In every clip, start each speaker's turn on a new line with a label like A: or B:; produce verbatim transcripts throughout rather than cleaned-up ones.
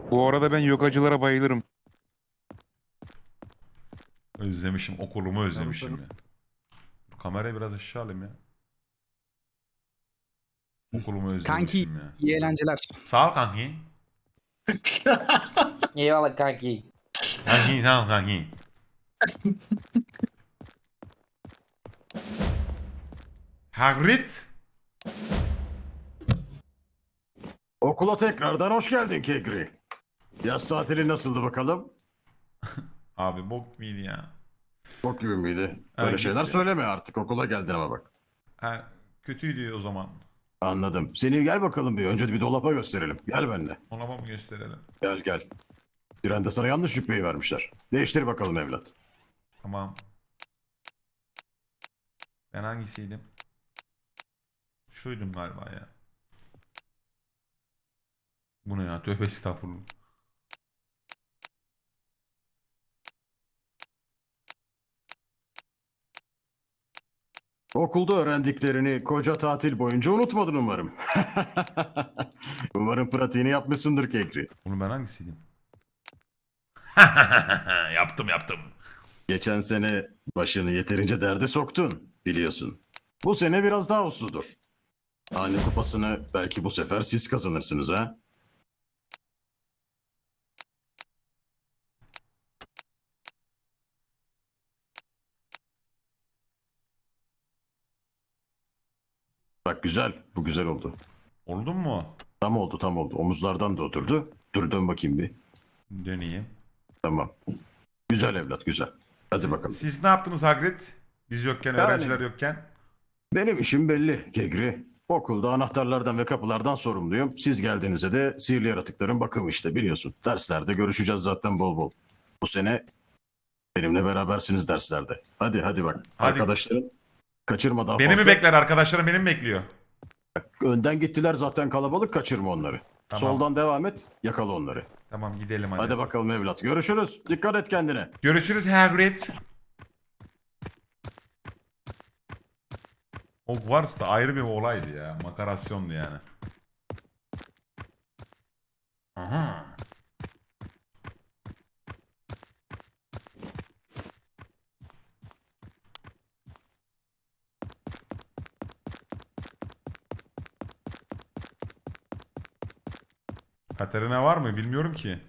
A: Bu arada ben yogacılara bayılırım.
B: Özlemişim. Okulumu özlemişim
C: Tabii,
B: ya. Bu kamerayı biraz aşağı alayım ya. Okulumu
C: Kanki
B: özlemişim ya.
C: iyi eğlenceler.
B: Sağ ol kanki.
D: Eyvallah kanki.
B: Kanki sağ ol kanki. Hagrid.
E: Okula tekrardan hoş geldin Kegri. Yaz tatili nasıldı bakalım?
B: Abi bok muydu ya?
E: Bok gibi miydi? Böyle
B: Ha,
E: şeyler
B: gitti.
E: söyleme artık, okula geldin ama bak.
B: Ha, kötüydü o zaman.
E: Anladım. Seni gel bakalım bir. Önce bir dolaba gösterelim. Gel benimle.
B: Ona mı gösterelim?
E: Gel gel. Trende sana yanlış şüpheyi vermişler. Değiştir bakalım evlat.
B: Tamam. Ben hangisiydim? Şuydum galiba ya. Bu ne ya? Tövbe estağfurullah.
E: Okulda öğrendiklerini koca tatil boyunca unutmadın umarım. Umarım pratiğini yapmışsındır Kegri.
B: Oğlum ben hangisiydim? Yaptım yaptım.
E: Geçen sene başını yeterince derde soktun, biliyorsun. Bu sene biraz daha usludur. Hane kupasını belki bu sefer siz kazanırsınız ha? Bak güzel, bu güzel oldu.
B: Oldun mu?
E: Tam oldu, tam oldu. Omuzlardan da oturdu. Dur dön bakayım bir.
B: Döneyim.
E: Tamam. Güzel evlat, güzel. Hadi bakalım.
B: Siz ne yaptınız Hagrid? Biz yokken,
E: Yani-
B: öğrenciler yokken.
E: Benim işim belli Kegri. Okulda anahtarlardan ve kapılardan sorumluyum. Siz geldiğinizde de sihirli yaratıkların bakımı işte, biliyorsun. Derslerde görüşeceğiz zaten bol bol. Bu sene benimle berabersiniz derslerde. Hadi hadi bak.
B: Hadi.
E: Arkadaşların kaçırmadan
B: Beni
E: fazla.
B: mi bekler arkadaşlarım, beni mi bekliyor?
E: Önden gittiler zaten, kalabalık, kaçırma onları.
B: Tamam.
E: Soldan devam et, yakala onları.
B: Tamam gidelim hadi.
E: Hadi bakalım evlat. Görüşürüz. Dikkat et kendine.
B: Görüşürüz Hagrid. Hogwarts da ayrı bir olaydı ya. Makarasyondu yani. Aha. Katerina var mı? Bilmiyorum ki.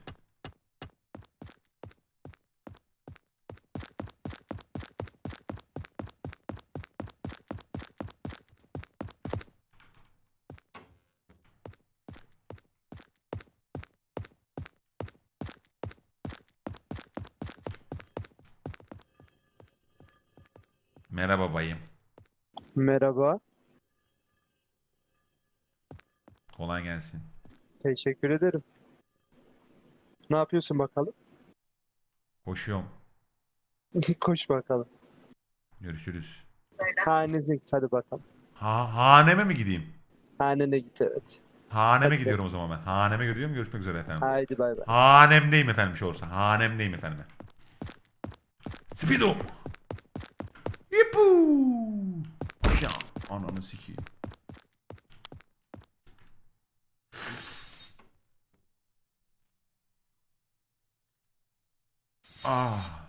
B: Merhaba bayım.
F: Merhaba,
B: Kolay gelsin.
F: teşekkür ederim. Ne yapıyorsun bakalım?
B: Koşuyorum.
F: Koş bakalım.
B: Görüşürüz.
F: Hanene git hadi bakalım.
B: Ha haneme mi gideyim?
F: Hanene git evet.
B: Haneme
F: Hadi.
B: gidiyorum o zaman ben. Haneme gidiyorum. Görüşmek üzere efendim.
F: Haydi bay bay.
B: Hanemdeyim efendim şu olursa. Hanemdeyim efendim. Speedo. Yipu. Ya ananı sikeyim. Ah.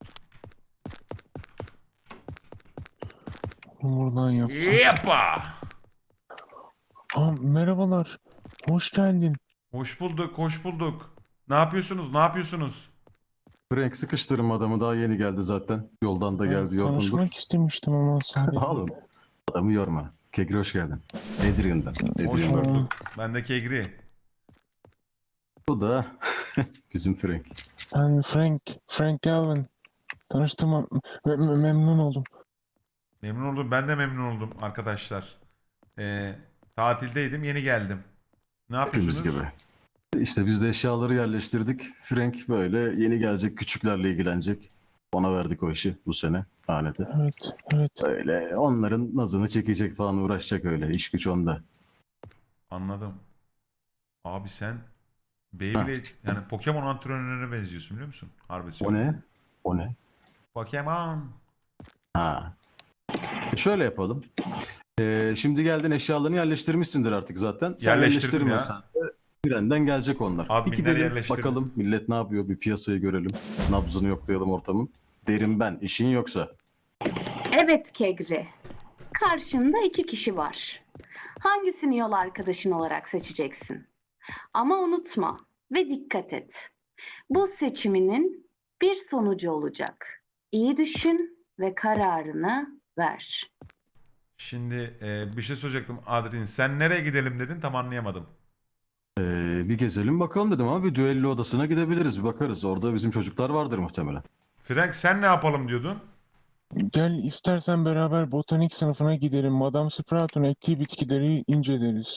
G: Buradan yapsam.
B: Yepa.
G: Aa, merhabalar. Hoş geldin.
B: Hoş bulduk, hoş bulduk. Ne yapıyorsunuz? Ne yapıyorsunuz?
E: Frank sıkıştırma adamı, daha yeni geldi zaten. Yoldan da
G: Ben
E: geldi, yorgundur.
G: tanışmak istemiştim ama sadece.
E: Oğlum adamı yorma. Kegri hoş geldin. Adrian'dan.
B: Hoş
E: Adrian.
B: bulduk. Ben de Kegri.
E: Bu da bizim Frank.
G: Ben Frank. Frank Galvin. Tanıştığıma me- me- memnun oldum.
B: Memnun oldum. Ben de memnun oldum arkadaşlar. Ee, tatildeydim. Yeni geldim. Ne
E: Hepimiz
B: yapıyorsunuz?
E: gibi. İşte biz de eşyaları yerleştirdik. Frank böyle yeni gelecek, küçüklerle ilgilenecek. Ona verdik o işi bu sene hanede.
G: Evet, evet.
E: Öyle onların nazını çekecek falan, uğraşacak öyle. İş güç onda.
B: Anladım. Abi sen Beyblade yani Pokemon antrenörüne benziyorsun biliyor musun? Harbi
E: O
B: söylüyorum.
E: ne? O ne?
B: Pokemon.
E: Ha. E şöyle yapalım. Ee, şimdi geldin, eşyalarını yerleştirmişsindir artık zaten. Sen
B: Yerleştirdim
E: yerleştirmesen de Trenden gelecek onlar. Bir
B: Adminler
E: gidelim
B: yerleştirdi.
E: bakalım millet ne yapıyor, bir piyasayı görelim. Nabzını yoklayalım ortamın. Derim ben, işin yoksa.
C: Evet Kegri. Karşında iki kişi var. Hangisini yol arkadaşın olarak seçeceksin? Ama unutma ve dikkat et. Bu seçiminin bir sonucu olacak. İyi düşün ve kararını ver.
B: Şimdi e, bir şey soracaktım Adrin. Sen nereye gidelim dedin, tam anlayamadım.
E: Ee, bir gezelim bakalım dedim ama bir düello odasına gidebiliriz, bir bakarız. Orada bizim çocuklar vardır muhtemelen.
B: Frank sen ne yapalım diyordun?
G: Gel istersen beraber botanik sınıfına gidelim. Madame Sprout'un ektiği bitkileri inceleriz.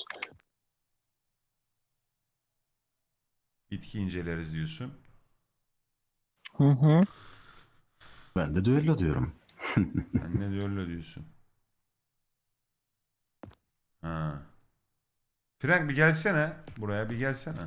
B: Bitki inceleriz diyorsun.
G: Hı hı.
E: Ben de düello diyorum.
B: Sen ne diyor öyle diyorsun? Ha. Frank bir gelsene. Buraya bir gelsene.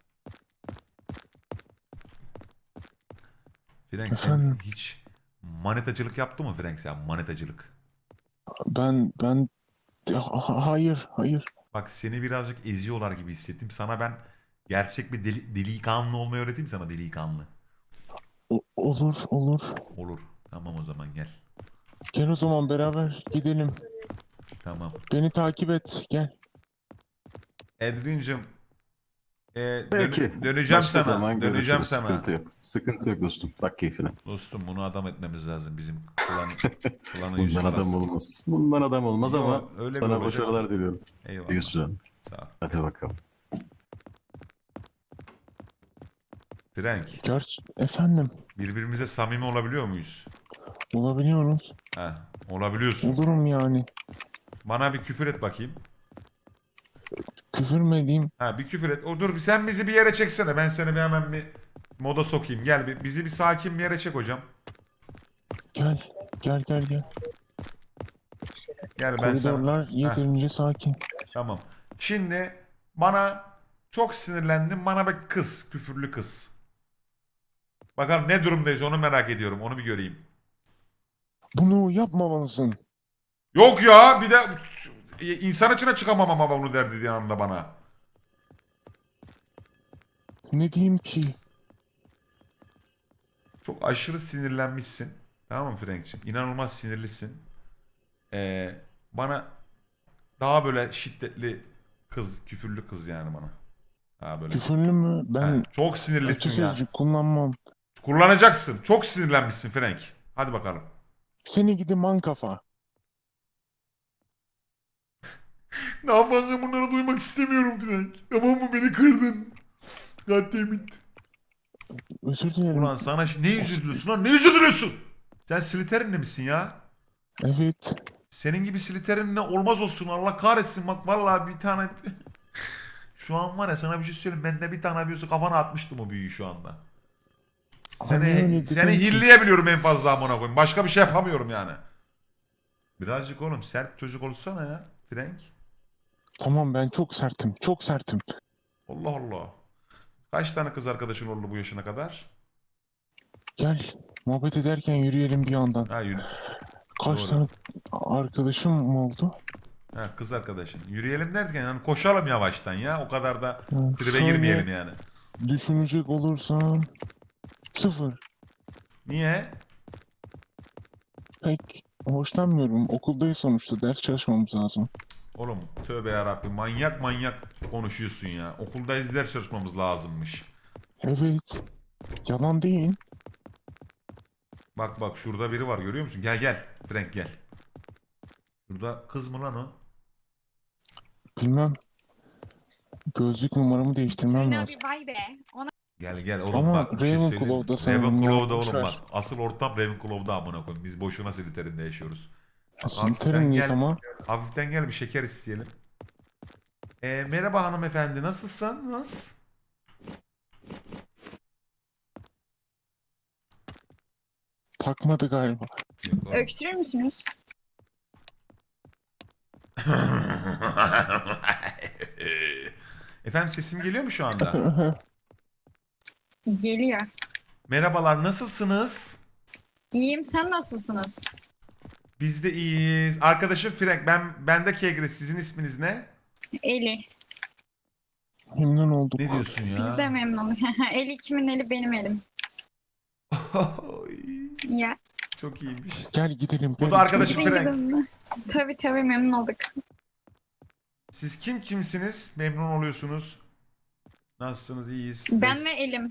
B: Frank sen
G: Efendim?
B: hiç manetacılık yaptı mı Frank sen? Manetacılık.
G: Ben ben Ha- hayır hayır.
B: Bak seni birazcık eziyorlar gibi hissettim. Sana ben gerçek bir deli, delikanlı olmayı öğreteyim sana, delikanlı.
G: O- olur olur.
B: Olur. Tamam o zaman gel.
G: Gel o zaman beraber gidelim.
B: Tamam.
G: Beni takip et. Gel.
B: Edrin'cim e, dön-
E: Peki.
B: döneceğim
E: Başka
B: sana.
E: zaman
B: Döneceğim
E: görüşürüz.
B: sana.
E: Sıkıntı yok. Sıkıntı yok dostum. Bak keyfine.
B: Dostum bunu adam etmemiz lazım. Bizim klan, klanın yüz
E: Bundan adam
B: karası.
E: olmaz. Bundan adam olmaz
B: Yo,
E: ama
B: öyle bir
E: sana
B: olacak.
E: başarılar diliyorum.
B: Eyvallah.
E: Diyorsun.
B: Sağ ol.
E: Hadi bakalım.
B: Frank,
G: Gerçi efendim.
B: birbirimize samimi olabiliyor muyuz?
G: Olabiliyoruz.
B: Heh, olabiliyorsun.
G: Olurum yani.
B: Bana bir küfür et bakayım.
G: Küfür mü edeyim?
B: Ha bir küfür et. O dur sen bizi bir yere çeksene. Ben seni bir hemen bir moda sokayım. Gel bir, bizi bir sakin bir yere çek hocam.
G: Gel. Gel gel gel.
B: Gel ben sana.
G: Koridorlar
B: Heh,
G: yeterince sakin.
B: tamam. Şimdi bana çok sinirlendim. Bana bir kız. Küfürlü kız. Bakalım ne durumdayız onu merak ediyorum. Onu bir göreyim.
G: Bunu yapmamalısın.
B: Yok ya bir de insan içine çıkamam ama bunu der dediği anda bana.
G: Ne diyeyim ki?
B: Çok aşırı sinirlenmişsin. Tamam mı Frank'cığım? İnanılmaz sinirlisin. Ee, bana daha böyle şiddetli kız, küfürlü kız yani bana. Daha böyle.
G: Küfürlü mü? Ben
B: Ha, çok
G: kötü
B: sinirlisin yani.
G: sözcük kullanmam.
B: Kullanacaksın. Çok sinirlenmişsin Frank. Hadi bakalım.
G: Seni gidi man kafa.
B: Daha fazla bunları duymak istemiyorum Frank. Tamam mı? Beni kırdın. Goddammit.
G: Özür dilerim.
B: Ulan sana şi- ne yüz üzülüyorsun lan? Ne yüz üzülüyorsun? Sen Slytherin'li misin ya?
G: Evet.
B: Senin gibi Slytherin'le olmaz olsun. Allah kahretsin. Bak vallahi bir tane... Şu an var ya sana bir şey söyleyeyim. Bende bir tane büyüsü kafana atmıştım o büyüyü şu anda.
G: Ama niye öyle
B: Seni,
G: dedin
B: seni
G: ki?
B: hilleyebiliyorum en fazla amına koyayım. Başka bir şey yapamıyorum yani. Birazcık oğlum sert çocuk olsana ya Frank.
G: Tamam ben çok sertim. Çok sertim.
B: Allah Allah. Kaç tane kız arkadaşın oldu bu yaşına kadar?
G: Gel. Muhabbet ederken yürüyelim bir yandan.
B: Ha, yürü.
G: Kaç
B: Doğru.
G: tane arkadaşım mı oldu?
B: Ha, kız arkadaşın. Yürüyelim derken yani koşalım yavaştan ya. O kadar da
G: Ha,
B: tribe
G: şöyle
B: girmeyelim yani.
G: Düşünecek olursam sıfır.
B: Niye?
G: Pek hoşlanmıyorum. Okuldayız sonuçta. Ders çalışmamız lazım.
B: Oğlum tövbe yarabbim manyak manyak konuşuyorsun ya. Okuldayız ders çalışmamız lazımmış.
G: Evet. Yalan değil.
B: Bak bak şurada biri var görüyor musun? Gel gel Frank gel. Şurada kız mı lan o?
G: Bilmem. Gözlük numaramı değiştirmem
D: Şirin
G: lazım.
D: abi vay be. Ona
B: Gel gel oğlum
G: Ama
B: bak bir şey söyleyeyim mi?
G: Ravenclaw'da sanırım ya,
B: Ravenclaw'da
G: boş
B: oğlum
G: ver.
B: bak. Asıl ortam Ravenclaw'da amına koyayım. Biz boşuna Slytherin'de yaşıyoruz.
G: Slytherin'liyiz
B: gel.
G: ama.
B: Hafiften gel bir şeker isteyelim. Ee, merhaba hanımefendi nasılsınız?
G: Takmadı galiba.
B: Yok, oğlum.
D: öksürür müsünüz?
B: Efendim sesim geliyor mu şu anda?
D: Geliyor.
B: Merhabalar nasılsınız?
D: İyiyim, sen nasılsınız?
B: Biz de iyiyiz. Arkadaşım Frank ben ben de Kegre sizin isminiz ne?
D: Eli.
G: Memnun olduk.
B: Ne diyorsun ya?
D: Biz de memnunum. Eli kimin eli benim elim. Ya.
B: Çok iyiymiş.
G: Gel gidelim.
B: Bu
G: gel.
B: da arkadaşım
D: Gidin
B: Frank.
D: gidin. Tabii tabii memnun olduk.
B: Siz kim kimsiniz? Memnun oluyorsunuz. Nasılsınız? İyiyiz.
D: Ben
B: Biz-
D: ve elim.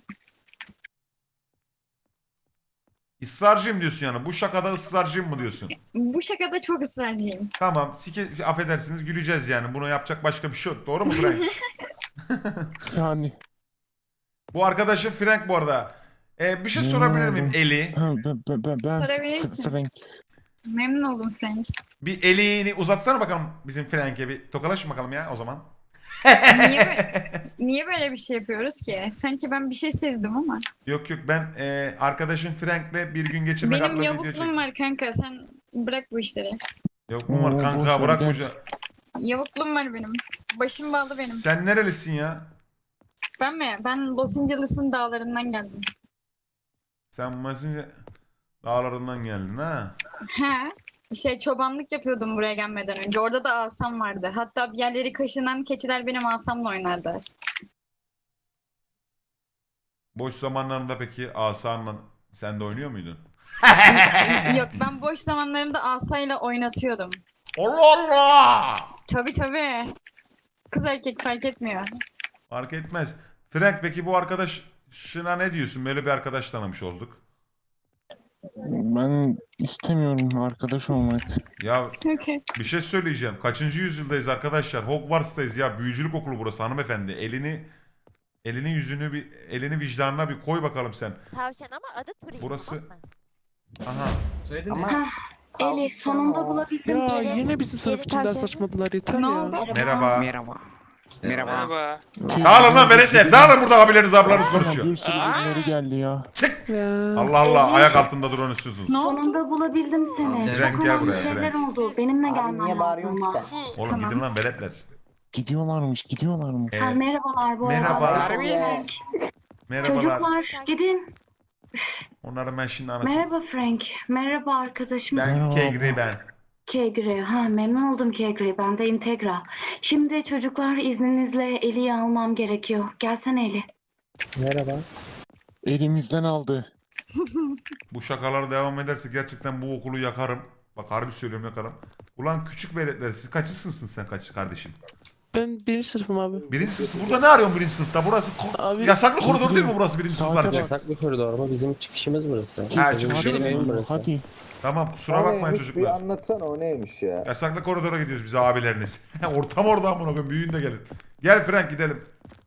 B: Israrcıyım diyorsun yani. Bu şakada ısrarcıyım mı diyorsun?
D: Bu şakada çok ısrarcıyım.
B: Tamam. Sike, affedersiniz güleceğiz yani. Bunu yapacak başka bir şey yok. Doğru mu Frank?
G: Yani.
B: Bu arkadaşım Frank bu arada. Ee, bir şey sorabilir miyim? Eli.
G: Ha, ben, ben, ben, ben
D: Sorabilirsin.
G: F- Frank.
D: Memnun oldum Frank.
B: Bir elini uzatsana bakalım bizim Frank'e bir. Tokalaşın bakalım ya o zaman.
D: Niye, bö- niye böyle bir şey yapıyoruz ki? Sanki ben bir şey sezdim ama.
B: Yok yok ben e, arkadaşım Frank'le bir gün geçirmek
D: Benim
B: adlı video
D: yavukluğum
B: çektim.
D: var kanka. Sen bırak bu işleri.
B: Yok mu var
G: Oo,
B: kanka
G: boş ver,
B: bırak bu
G: gel.
B: işi.
D: Yavukluğum var benim. Başım bağlı benim.
B: Sen nerelisin ya?
D: Ben mi? Ben Los Angeles'ın dağlarından geldim.
B: Sen Masince dağlarından geldin ha.
D: He. Şey çobanlık yapıyordum buraya gelmeden önce. Orada da asam vardı. Hatta bir yerleri kaşınan keçiler benim asamla oynardı.
B: Boş zamanlarında peki asanla sen de oynuyor muydun?
D: Yok ben boş zamanlarımda asayla oynatıyordum.
B: Allah Allah!
D: Tabii tabii. Kız erkek fark etmiyor.
B: Fark etmez. Frank peki bu arkadaşına ne diyorsun? Böyle bir arkadaş tanımış olduk.
G: Ben istemiyorum arkadaş olmak.
B: Ya
D: Okey.
B: bir şey söyleyeceğim. Kaçıncı yüzyıldayız arkadaşlar? Hogwarts'tayız ya. Büyücülük okulu burası hanımefendi. Elini elini yüzünü bir elini vicdanına bir koy bakalım sen.
H: Tavşan ama adı Turing.
B: Burası-
H: tamam mı?
B: Aha.
C: Hah, Eli sonunda bulabildim.
I: Ya
H: Geri-
I: yine bizim sınıf
H: geri
I: içinden
H: tavşan.
I: saçmadılar yeter
D: Ne
I: ya.
D: oldu?
B: Merhaba.
J: Merhaba. Merhaba.
B: Dağılın lan veletler. Dağılın burada abileriniz ablanız
G: Sana
B: konuşuyor.
G: bir sürü birileri geldi ya.
I: Ya.
B: Allah Allah ayak altında duran üstüsünüz.
D: Ne oldu?
C: Sonunda bulabildim seni.
B: Frank,
C: Çok
B: gel
C: önemli
B: buraya,
C: şeyler
B: Frank.
C: oldu. Benimle gelmen lazım ama.
B: Oğlum
D: Tamam.
B: gidin lan veletler.
G: Gidiyorlarmış gidiyorlarmış.
B: Ee,
C: Ha, merhabalar bu
B: merhaba.
C: arada.
J: Terbiyesiz.
B: merhabalar.
C: Çocuklar gidin.
B: Onların ben şimdi anasını...
C: Merhaba Frank. Merhaba arkadaşım.
B: Ben
G: Merhaba.
B: Kegri ben.
C: Kegri. Ha, memnun oldum Kegri. Ben de Integra. Şimdi çocuklar izninizle Eli'yi almam gerekiyor. Gelsene Eli.
F: Merhaba.
G: Elimizden aldı.
B: Bu şakalar devam ederse gerçekten bu okulu yakarım. Bak harbi söylüyorum yakarım. Ulan küçük veletler siz kaçıncı sınıfsın sen kaç kardeşim?
I: Ben birinci sınıfım abi.
B: Birinci sınıfsın. Burada ne arıyorsun birinci sınıfta? Burası ko-
I: Abi-
B: yasaklı koridor değil mi burası birinci
G: Saate
B: sınıflar
G: bak.
B: için?
F: Yasak bir koridor ama bizim çıkışımız burası.
B: Ha,
F: Bizim
B: çıkışınız
F: benim
B: mı?
F: evim burası.
G: Hadi.
B: Tamam kusura bakmayın
J: Bir
B: çocuklar.
J: anlatsana o neymiş ya.
B: Yasaklı koridora gidiyoruz biz abileriniz. Ortam orada amına koyayım büyüyün de gelin. Gel Frank gidelim.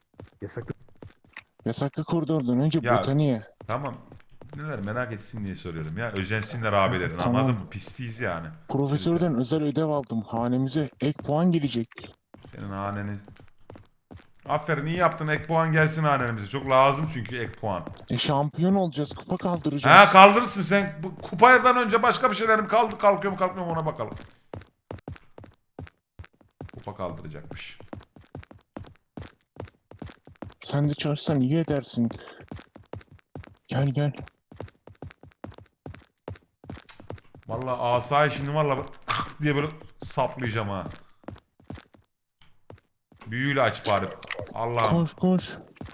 G: Yasaklı koridordan önce
B: Ya.
G: botaniğe.
B: Tamam. Neler merak etsin diye soruyorum ya. Özensinler abilerin
G: Tamam.
B: anladın mı? Pisliyiz yani.
G: Profesörden özel ödev aldım. Hanemize ek puan gelecek.
B: Senin haneniz... Aferin iyi yaptın ek puan gelsin hanemize. Çok lazım çünkü ek puan.
G: E şampiyon olacağız. Kupa kaldıracağız.
B: Ha kaldırırsın sen. Bu kupadan önce başka bir şeylerim kaldı kalkıyor mu kalkmıyor mu ona bakalım. Kupa kaldıracakmış.
G: Sen de çağırsan iyi edersin. Gel gel.
B: Vallahi asayı şimdi vallahi diye böyle saplayacağım ha. Büyüyle aç bari. Allah'ım.
G: Koş koş.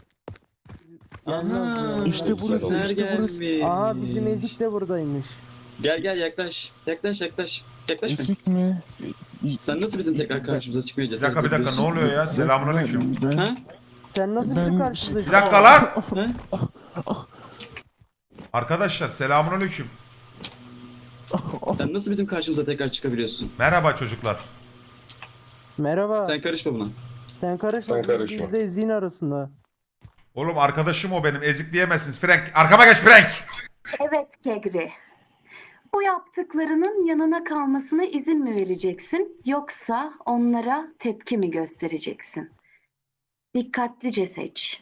G: İşte burası işte burası.
F: Aa bizim Ezik de buradaymış.
K: Gel gel yaklaş. Yaklaş yaklaş. Yaklaş mı?
G: Esik mi?
K: Sen nasıl bizim tekrar karşımıza çıkmaya
B: Bir
K: cesaret
B: dakika bir dakika ne oluyor ya? Selamünaleyküm.
G: Ben,
K: Ha?
F: Sen nasıl
G: Ben-
F: bizim karşımıza
B: Bir dakika lan.
K: Ha?
B: Arkadaşlar selamünaleyküm.
K: Sen nasıl bizim karşımıza tekrar çıkabiliyorsun?
B: Merhaba çocuklar.
F: Merhaba.
K: Sen karışma buna.
F: Sen karışma. Biz de Ezik'in arasında.
B: Oğlum arkadaşım o benim. Ezik diyemezsiniz. Frank arkama geç Frank.
C: Evet Kegri. Bu yaptıklarının yanına kalmasına izin mi vereceksin yoksa onlara tepki mi göstereceksin? Dikkatlice seç.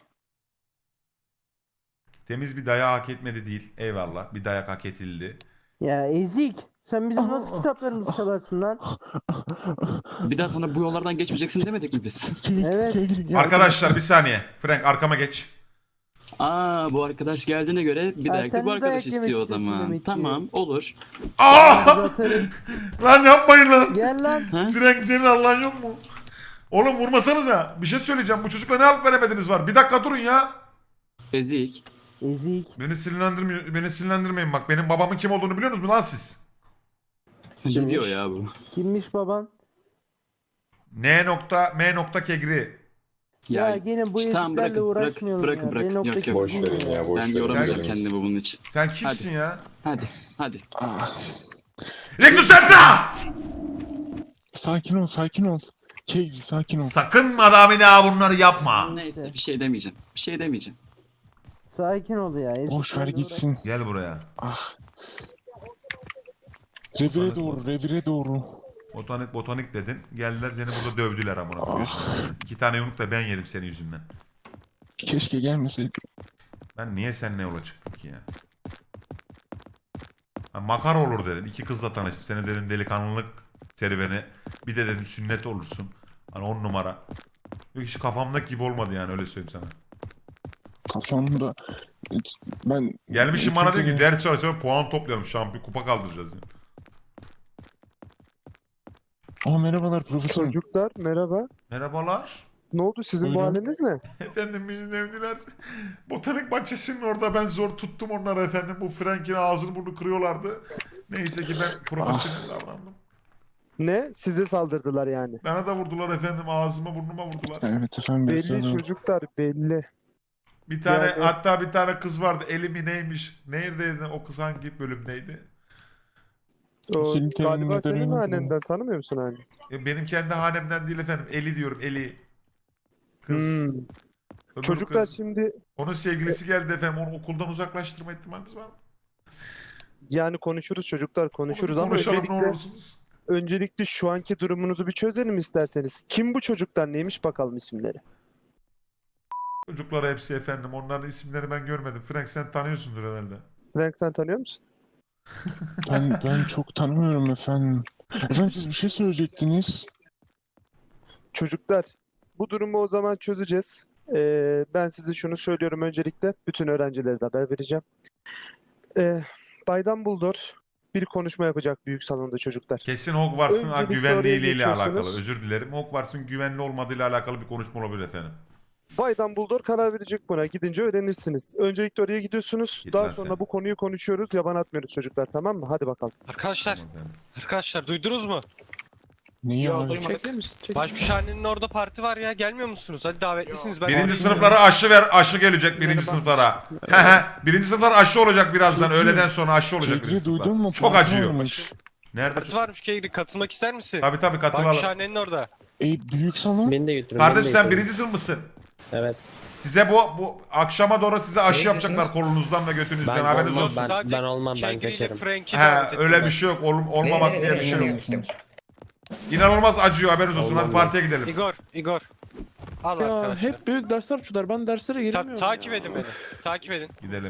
B: Temiz bir dayak hak etmedi değil. Eyvallah. Bir dayak hak edildi.
F: Ya Ezik. Sen bizim nasıl kitaplarımızı çalarsın lan?
K: Bir daha sana bu yollardan geçmeyeceksin demedik mi biz?
G: Ke-
F: Evet.
G: Kegri, gel.
B: Arkadaşlar bir saniye. Frank arkama geç.
K: Aa bu arkadaş geldiğine göre bir
F: Ha,
K: dayak
F: sen
K: da bu
F: de
K: arkadaş
F: dayak yemek
K: istiyor o
F: istiyorsun
K: zaman.
F: demek ki.
K: Tamam olur.
B: Aa!
F: Zaten
B: Lan yapmayın lan.
F: gel lan.
K: Ha?
B: Frank senin Allah'ın yok mu? Oğlum vurmasanıza. Bir şey söyleyeceğim. Bu çocukla ne alıp veremediniz var. Bir dakika durun ya.
K: Ezik.
F: Ezik.
B: Beni sinirlendirmeyin. Beni sinirlendirmeyin bak. Benim babamın kim olduğunu biliyor musunuz lan siz?
K: Ne diyor ya bu?
F: Kimmiş baban?
B: N nokta M nokta Kegri.
F: Ya, gene bu
K: işte tamam,
F: eziklerle
K: bırakın,
F: uğraşmayalım
K: bırakın,
F: ya.
K: bırakın.
F: Ben
K: Yok,
F: noktaki
K: yok.
J: Boş verin ya boş
K: Ben
J: verin.
K: yoramayacağım
B: Sen-
K: kendimi bunun için.
B: Sen kimsin ya?
K: Hadi, hadi.
G: Ah,
B: Rectus Serta!
G: sakin ol sakin ol. Kegri sakin ol.
B: Sakın madami ne bunları yapma.
K: Neyse bir şey demeyeceğim. Bir şey demeyeceğim.
F: Sakin ol ya.
G: Boş ver
F: eziklerle
G: gitsin.
B: Gel buraya.
G: Ah. Revire doğru revire doğru.
B: Botanik botanik dedin. Geldiler seni burada dövdüler amına koyayım. İki tane yumruk da ben yedim senin yüzünden.
G: Keşke gelmeseydi.
B: Ben niye seninle yola çıktım ki ya? Ha, makar olur dedim. İki kızla tanıştım. Seni dedim delikanlılık serüveni. Bir de dedim sünnet olursun. Hani on numara. Yok hiç kafamdaki gibi olmadı yani öyle söyleyeyim sana.
G: Kafamda ben
B: Gelmişim bana diyor ki ders çalışalım puan toplayalım şampiyon kupa kaldıracağız. Yani.
G: Aa merhabalar profesör.
L: Çocuklar merhaba.
B: Merhabalar.
L: Ne oldu sizin
G: Buyurun.
L: bu haliniz ne?
B: Efendim bizi dövdüler. Botanik bahçesinin orada ben zor tuttum onları efendim. Bu Frank'in ağzını burnunu kırıyorlardı. Neyse ki ben profesyonel davrandım.
L: Ne? Size saldırdılar yani.
B: Bana da vurdular efendim ağzıma burnuma vurdular.
G: Evet efendim.
L: Belli
G: biraz sonra-
L: çocuklar belli.
B: Bir tane
L: Yani-
B: hatta bir tane kız vardı. Elimi neymiş? Neredeydi o kız hangi bölümdeydi?
L: O,
G: Senin temin
L: galiba
G: neden
L: senin
G: öyle
L: hanenden tanımıyor musun hani?
B: E, benim kendi hanemden değil efendim. Eli diyorum Eli. Kız.
L: Hmm.
B: Öbür
L: Çocuklar
B: kız.
L: şimdi
B: Onun sevgilisi geldi efendim. Onu okuldan uzaklaştırma ihtimalimiz var mı?
L: yani konuşuruz çocuklar konuşuruz
B: Onu
L: ama
B: konuşalım ne
L: öncelikle,
B: olursunuz.
L: öncelikle şu anki durumunuzu bir çözelim isterseniz. Kim bu çocuklar neymiş bakalım isimleri.
B: Çocuklar hepsi efendim. Onların isimleri ben görmedim. Frank sen tanıyorsundur herhalde.
L: Frank sen tanıyor musun?
G: Ben ben çok tanımıyorum efendim. Efendim siz bir şey söyleyecektiniz.
L: Çocuklar bu durumu o zaman çözeceğiz. Ee, ben size şunu söylüyorum öncelikle. Bütün öğrencilere de haber vereceğim. Ee, Bay Dumbledore bir konuşma yapacak büyük salonda çocuklar.
B: Kesin Hogwarts'ın
L: Öncelikle
B: güvenliğiyle
L: oraya
B: ile alakalı.
L: geçiyorsunuz.
B: Özür dilerim. Hogwarts'ın güvenli olmadığıyla alakalı bir konuşma olabilir efendim.
L: Bay Dumbledore karar verecek buna. Gidince öğrenirsiniz. Öncelikle oraya gidiyorsunuz.
B: Git
L: Daha
B: lan
L: sonra
B: sen.
L: bu konuyu konuşuyoruz. Yaban atmıyoruz çocuklar tamam mı? Hadi bakalım.
M: Arkadaşlar,
B: Tamam efendim.
M: arkadaşlar duydunuz mu?
G: Neyi abi?
I: Çekilir misin? Çek.
M: Başmüşhanenin orada parti var ya. Gelmiyor musunuz? Hadi davetlisiniz. Ben
B: Birinci sınıflara aşı ver, aşı gelecek birinci sınıflara. birinci sınıflar aşı olacak birazdan.
G: Kegri-
B: Öğleden sonra aşı olacak birinci
G: Kegri
B: sınıflar.
G: duydun mu?
B: Çok
G: Parti
B: acıyor.
G: varmış.
B: Nerede?
M: parti varmış Kegri. Katılmak ister misin?
B: Tabii tabii katılalım.
M: Başmüşhanenin orada.
G: E büyük salon.
F: Beni de götürün.
B: Kardeş sen birinci sınıf mısın?
F: Evet.
B: Size bu bu akşama doğru size aşı yapacaklar kolunuzdan ve götünüzden haberiniz olsun.
F: Ben,
M: Sadece
F: ben olmam ben
M: Kegri ile
F: kaçarım.
M: Frank'i davet
B: He
M: ettim
B: öyle
M: ben.
B: bir şey yok. Ol, olmamak diye bir şey yok.
G: yok.
B: İnanılmaz acıyor haberiniz olsun.
F: Olmam
B: Hadi
F: ben.
B: partiye gidelim.
M: Igor, Igor. Al
I: Ya
M: arkadaşlar.
I: hep büyük dersler açıyorlar. Ben derslere
M: Ta-
I: giremiyorum
M: takip
I: ya.
M: edin beni. Takip edin.
B: Gidelim.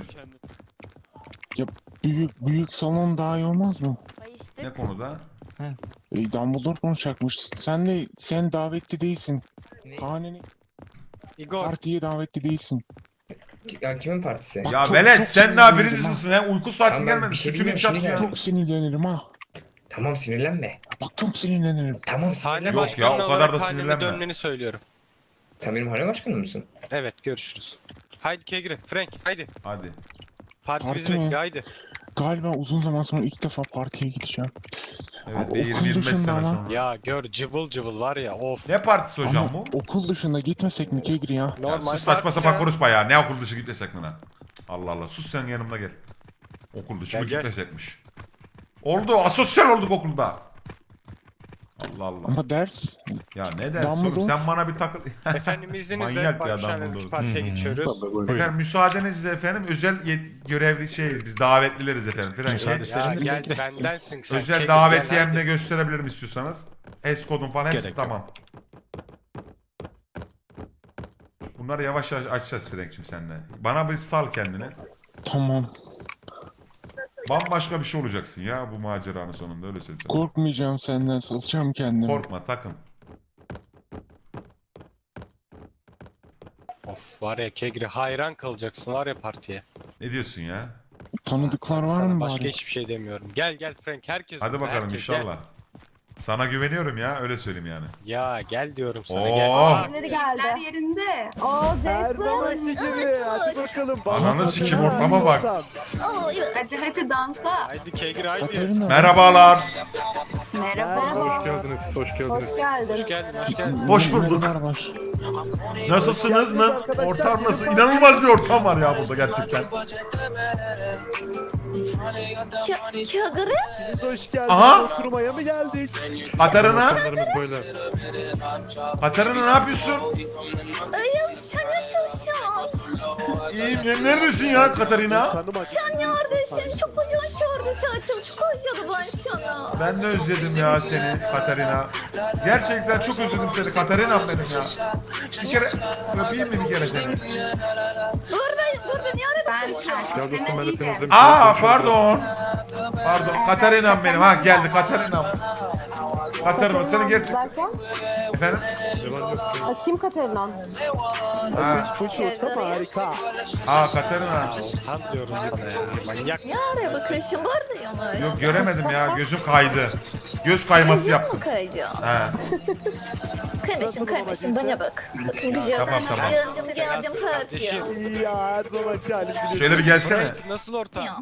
G: Büyük büyük salon daha iyi olmaz mı?
H: Bayıştık.
B: Ne konuda?
G: E, Dumbledore konuşacakmış. Sen de sen davetli değilsin. Haneni
M: Igor.
G: partiye davetli değilsin.
J: Ya kimin partisi?
G: Bak,
B: Ya
G: çok-
B: velet
G: çok
B: sen daha
G: sinirlendim
B: birinci
G: ha.
B: sınıfsın. He? Uyku saatin
J: Tamam, ben
B: gelmedi.
J: bir şey
B: Sütünü
J: bilmiyorum,
B: çak ya.
J: şimdi
G: Çok sinirlenirim ha.
J: Tamam sinirlenme.
G: Bak çok sinirlenirim.
J: Tamam
M: Hane
J: sinirlenme.
B: Yok ya,
M: başkanı
B: o kadar
M: olarak
B: da
M: haneme
B: sinirlenme.
M: dönmeni söylüyorum.
J: Sen benim hane başkanım mısın?
M: Evet görüşürüz. Haydi Kegri, Frank haydi.
B: Hadi.
M: Parti
G: Parti
M: bizi
G: mi?
M: bekliyor haydi.
G: Galiba uzun zaman sonra ilk defa partiye gideceğim.
B: Evet
G: Abi,
B: bir
G: okul
B: yirmi yirmi beş
G: dışında
B: sene
G: ama.
B: sonra.
M: Ya gör cıvıl cıvıl var ya of.
B: Ne partisi hocam
G: Ama
B: bu?
G: okul dışında gitmesek mi Kegri ya?
B: Ya
M: Normal
B: sus saçma
M: parti
B: sapan
M: ya.
B: konuşma ya. Ne okul dışı gitmesek mi lan? Allah Allah. Sus sen yanımda gel. Okul dışı
M: Gel,
B: mı
M: gel.
B: gitmesekmiş? Oldu. Asosyal olduk okulda. Allah Allah.
G: Ama ders
B: Ya ne dersin oğlum?
G: Dumbledore.
B: Sen bana bir takıl...
M: Efendim izninizle
B: Manyak ya
M: Başmüşhane'deki
B: Dumbledore.
M: partiye geçiyoruz.
B: Efendim müsaadenizle efendim özel yet- görevli şeyiz biz davetlileriz efendim. Frank,
M: Ya gel bendensin sen.
B: özel
M: Kegri,
B: davetiyem
M: gel,
B: de
M: hadi.
B: gösterebilirim istiyorsanız. S kodum falan hepsi
I: Gerek yok.
B: tamam. Bunları yavaş yavaş açacağız Frank'cim seninle. Bana bir sal kendini.
G: tamam.
B: Bambaşka bir şey olacaksın ya bu maceranın sonunda öyle söyleyeyim. sana.
G: Korkmayacağım senden, satacağım kendimi.
B: Korkma takın.
M: Of var ya Kegri hayran kalacaksın var ya partiye.
B: Ne diyorsun ya?
G: Tanıdıklar var
M: Sana
G: mı
M: başka
G: bari?
M: hiçbir şey demiyorum. Gel gel Frank herkes
B: Hadi
M: burada,
B: bakalım
M: herkes, gel.
B: inşallah. Sana güveniyorum ya öyle söyleyeyim yani.
M: Ya gel diyorum sana
B: Oo.
M: gel.
C: Keyifler yerinde. O
L: Her zamanki gibi. Hadi bakalım.
B: Ananı sikim ortama bak.
H: Oh, evet.
C: Hadi hadi dansa.
M: Haydi Kegri haydi.
G: Katerina.
B: Merhabalar.
C: Merhaba.
I: geldiniz, hoş geldiniz.
C: Hoş geldin.
M: Hoş geldin hoş geldin.
B: Hoş bulduk.
G: Merhabalar.
B: Nasılsınız? Na- ortam nasıl? İnanılmaz bir ortam var ya burada gerçekten.
H: Kegri?
L: Hoş geldin.
B: Aha.
L: Oturmaya mı geldik?
B: Katerina,
I: Ortamlarımız böyle.
B: Katerina ne yapıyorsun?
H: İyiyim, sen nasılsın?
B: İyiyim. Ne- Neredesin ya Katerina?
L: Tanımak.
H: Sen neredesin? Çok uzun sürdü tatil, çok özledim ben sana.
B: Ben de özledim ya seni Katerina. Gerçekten çok özledim seni Katerina benim ya. Bir kere öpeyim mi bir kere seni?
H: Buradayım, burada niye arada
C: Ben
I: Ya dostum ben hepiniz demiştim.
B: Aa pardon. Pardon Katerina benim. Ha geldi Katerina. Katerina seni gerçekten... Efendim?
F: Kim Katerina?
B: Ha,
L: Bu ortam harika.
B: aa Katerina.
M: Han diyorum sana ya. Manyak.
H: Ne araya bakıyorsun? Buradayım.
B: Yok göremedim ya gözüm kaydı. Göz kayması yaptım.
H: Kaydı.
B: Ha.
H: Kaymasın, kaymasın, bana bak. Bakın güzel.
B: Tamam, tamam.
H: Geldim, geldim partiye.
M: Kardeşim.
L: Ya her zamanki halim biliyorsun.
B: Şöyle bir gelsene.
M: Frank, nasıl ortam?
H: Ya.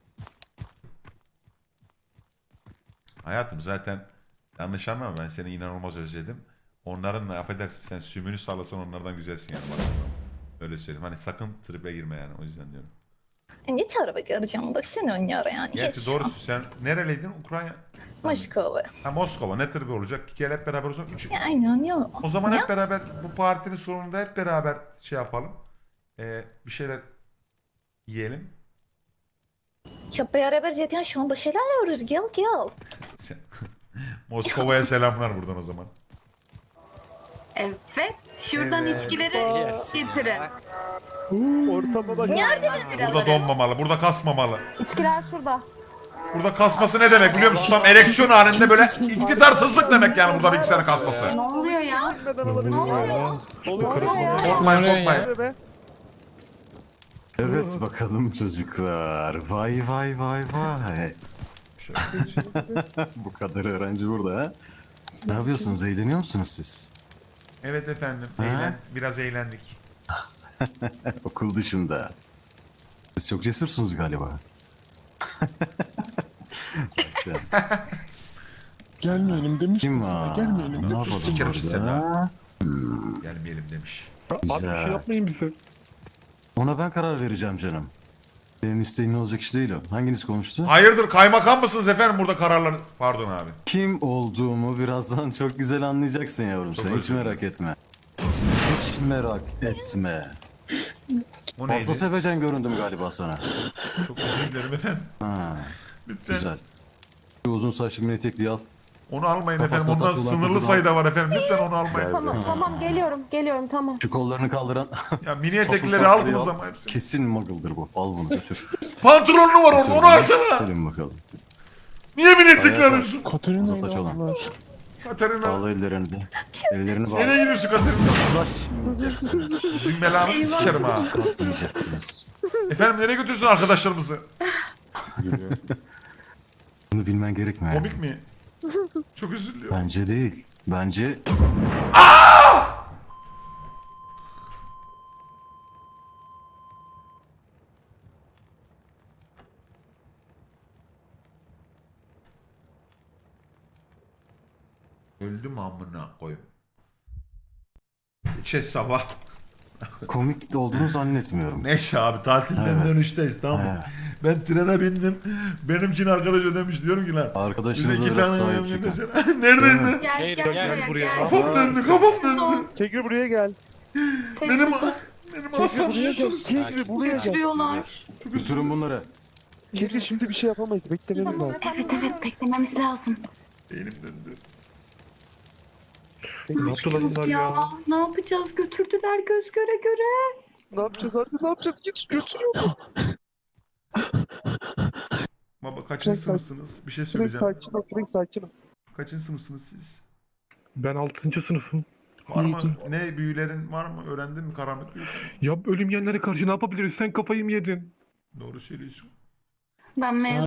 B: Hayatım zaten yanlış anlama ben seni inanılmaz özledim. Onların da affedersin sen sümünü sallasan onlardan güzelsin yani bana. Öyle söyleyeyim. Hani sakın tribe girme yani o yüzden diyorum.
H: E, ne tarafa göreceğim? Baksana onlara yani.
B: Gerçi
H: Hiç.
B: doğrusu sen nereliydin? Ukrayna.
H: Moskova.
B: Ha Moskova ne tribi olacak? Gel hep beraber o zaman. Üç...
H: Ya, aynen ya.
B: O zaman
H: Ya.
B: hep beraber bu partinin sonunda hep beraber şey yapalım. Ee, bir şeyler yiyelim.
H: Ya beraber zaten şu an bir şeyler yiyoruz. Gel gel.
B: Sen- Moskova'ya selamlar buradan o zaman.
C: Evet. Şuradan
B: Evet.
C: içkileri
M: Yersin
C: getirin.
M: ya.
L: Ortama bak.
B: Burada donmamalı, burada kasmamalı.
F: İçkiler şurada.
B: Burada kasması ne demek biliyor musun? Tam ereksiyon halinde böyle iktidarsızlık demek yani burada bilgisayarın kasması.
C: Ne oluyor ya?
L: Oluyor.
B: Korkmayın korkmayın.
L: Be.
E: Evet bakalım çocuklar. Vay vay vay vay. Bu kadar öğrenci burada ha. Ne yapıyorsunuz? Eğleniyor musunuz siz?
B: Evet efendim,
E: Ha?
B: eğlen, biraz eğlendik.
E: Okul dışında. Siz çok cesursunuz galiba. Sen-
G: Gelmeyelim demiştim
E: Kim
G: sana.
E: var?
G: Gelmeyelim
E: Ne
G: demiştim.
E: yapalım
B: Sikerim sizi
E: burada?
B: Gelmeyelim demiş.
I: Abi bir şey
E: Güzel.
I: yapmayın bize.
E: Ona ben karar vereceğim canım. Senin isteğin ne olacak iş değil o. Hanginiz konuştu?
B: Hayırdır kaymakam mısınız efendim burada kararlar... Pardon abi.
E: Kim olduğumu birazdan çok güzel anlayacaksın yavrum
B: Çok
E: sen. Hiç
B: özür dilerim.
E: merak etme. Hiç merak etme.
B: O
E: Fazla
B: neydi?
E: sevecen göründüm galiba sana.
B: Çok özür dilerim efendim.
E: Ha,
B: Lütfen.
E: güzel. Şu uzun saçlı mini etekliği al.
B: Onu almayın
E: Kafasına
B: efendim. Ondan
E: takılan
B: sınırlı
E: kızı
B: sayıda var efendim. Lütfen onu almayın.
F: Tamam tamam geliyorum geliyorum tamam.
E: Şu kollarını kaldıran
B: Ya mini eteklileri
E: Kafasına
B: aldınız
E: al.
B: ama hepsini.
E: kesin muggle'dır bu. Al bunu götür.
B: Pantolonlu var orada onu alsana.
E: Gelin bakalım.
B: Niye mini etekli
E: Ayağa
B: alıyorsun?
G: Katerina'yı
E: Uzataç olan.
G: aldılar.
B: Katerina.
E: Bağla ellerini de. Ellerini bağla.
B: Nereye gidiyorsun Katerina?
E: Uzlaşmayacaksınız.
B: Sizin belanızı sikerim ha.
E: Kalkmayacaksınız.
B: Efendim nereye götürüyorsun arkadaşlarımızı?
E: Bunu bilmen gerekmiyor.
B: Komik mi? Çok özür diliyorum.
E: Bence değil. Bence
B: Öldüm amına koyayım. Şey sabah.
E: komik olduğunu zannetmiyorum.
B: Neyse abi tatilden
E: Evet.
B: dönüşteyiz tamam mı?
E: Evet.
B: Ben trene bindim. Benimkini arkadaş ödemiş diyorum ki lan. Bize
E: Arkadaşınıza
B: iki
E: biraz
B: tane
E: sahip
B: yemin
E: çıkın.
B: etsene. Neredeyim
E: Değil
B: ben?
C: Gel
M: Gel,
C: gel,
M: gel
C: buraya,
M: buraya.
C: gel.
B: Kafam döndü kafam döndü.
L: Kegri buraya gel.
B: Benim benim asam
L: Kegri buraya gel.
B: şişiyor.
L: Kegri buraya gel.
C: Götürüyorlar.
E: Götürün bunları.
L: Kegri şimdi bir şey yapamayız. Beklememiz lazım.
C: Evet evet beklememiz lazım.
B: Beynim döndü.
I: Ne yaptılar bunlar
C: Ya
I: ya?
C: ne yapacağız? Götürdüler göz göre göre.
L: Ne yapacağız abi? Ne yapacağız? Git götürüyor.
B: Baba kaçıncı
L: Frank,
B: sınıfsınız? Bir şey
L: Frank
B: söyleyeceğim.
L: sakin ol. Frank sakin ol.
B: Kaçıncı sınıfsınız siz?
I: Ben altıncı sınıfım.
B: Var mı?
G: Yedi.
B: Ne büyülerin var mı? Öğrendin mi karanlık büyü?
I: Ya ölüm yenlere karşı ne yapabiliriz? Sen kafayı mı yedin?
B: Doğru söylüyorsun.
C: Ben mezun